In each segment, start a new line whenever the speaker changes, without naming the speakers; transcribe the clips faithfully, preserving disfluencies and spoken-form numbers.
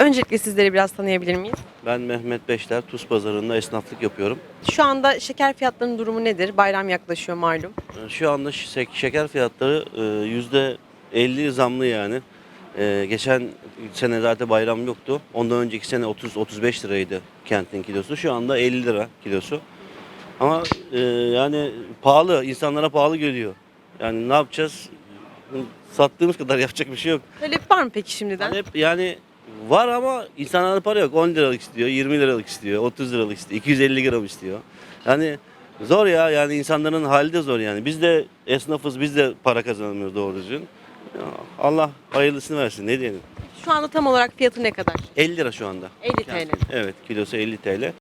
Öncelikle sizleri biraz tanıyabilir miyiz?
Ben Mehmet Beşler, Tuz Pazarı'nda esnaflık yapıyorum.
Şu anda şeker fiyatlarının durumu nedir? Bayram yaklaşıyor malum.
Ee, Şu anda şe- şeker fiyatları e, yüzde elli zamlı yani. Ee, Geçen sene zaten bayram yoktu. Ondan önceki sene otuz otuz beş liraydı kentin kilosu. Şu anda elli lira kilosu. Ama e, yani pahalı, insanlara pahalı geliyor. Yani ne yapacağız? Sattığımız kadar yapacak bir şey yok.
Talep var mı peki şimdiden?
Hani hep yani var ama insanlarda para yok. on liralık istiyor, yirmi liralık istiyor, otuz liralık istiyor, iki yüz elli gram istiyor. Yani zor ya, yani insanların hali de zor yani. Biz de esnafız, biz de para kazanamıyoruz doğru düzgün. Ya Allah hayırlısını versin, ne diyelim.
Şu anda tam olarak fiyatı ne kadar?
elli lira şu anda.
elli T L.
Evet, kilosu elli T L.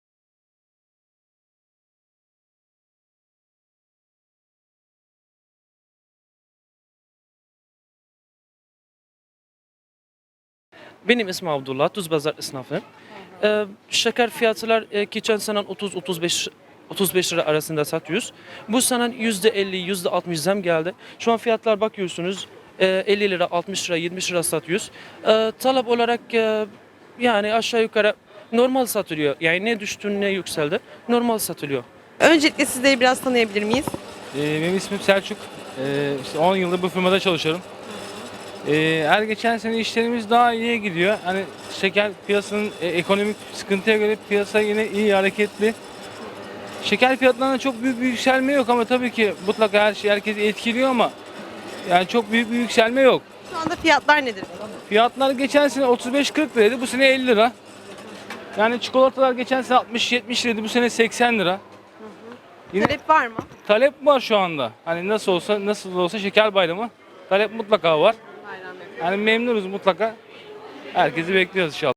Benim ismim Abdullah, Tuzpazar esnafı. Ee, şeker fiyatlar e, geçen sene otuz otuz beş otuz beş lira arasında satıyoruz. Bu sene yüzde elli yüzde altmış zam geldi. Şu an fiyatlar bakıyorsunuz e, elli lira, altmış lira, yetmiş lira satıyoruz. E, talep olarak e, yani aşağı yukarı normal satılıyor. Yani ne düştü ne yükseldi. Normal satılıyor.
Öncelikle sizleri biraz tanıyabilir miyiz?
Ee, benim ismim Selçuk. Ee, işte on yıldır bu firmada çalışıyorum. Ee, her geçen sene işlerimiz daha iyiye gidiyor. Hani şeker piyasanın e, ekonomik sıkıntıya göre piyasa yine iyi hareketli. Şeker fiyatlarında çok büyük bir yükselme yok ama tabii ki mutlaka her şey herkesi etkiliyor ama yani çok büyük bir yükselme yok.
Şu anda fiyatlar nedir?
Fiyatlar geçen sene otuz beş kırk liraydı, bu sene elli lira. Yani çikolatalar geçen sene altmış yetmiş liraydı, bu sene seksen lira. Yine
Talep var mı?
talep var şu anda. Hani nasıl olsa nasıl olsa şeker bayramı. Talep mutlaka var.
Bayram yaklaşıyor.
Yani memnunuz mutlaka. Herkesi bekliyoruz inşallah.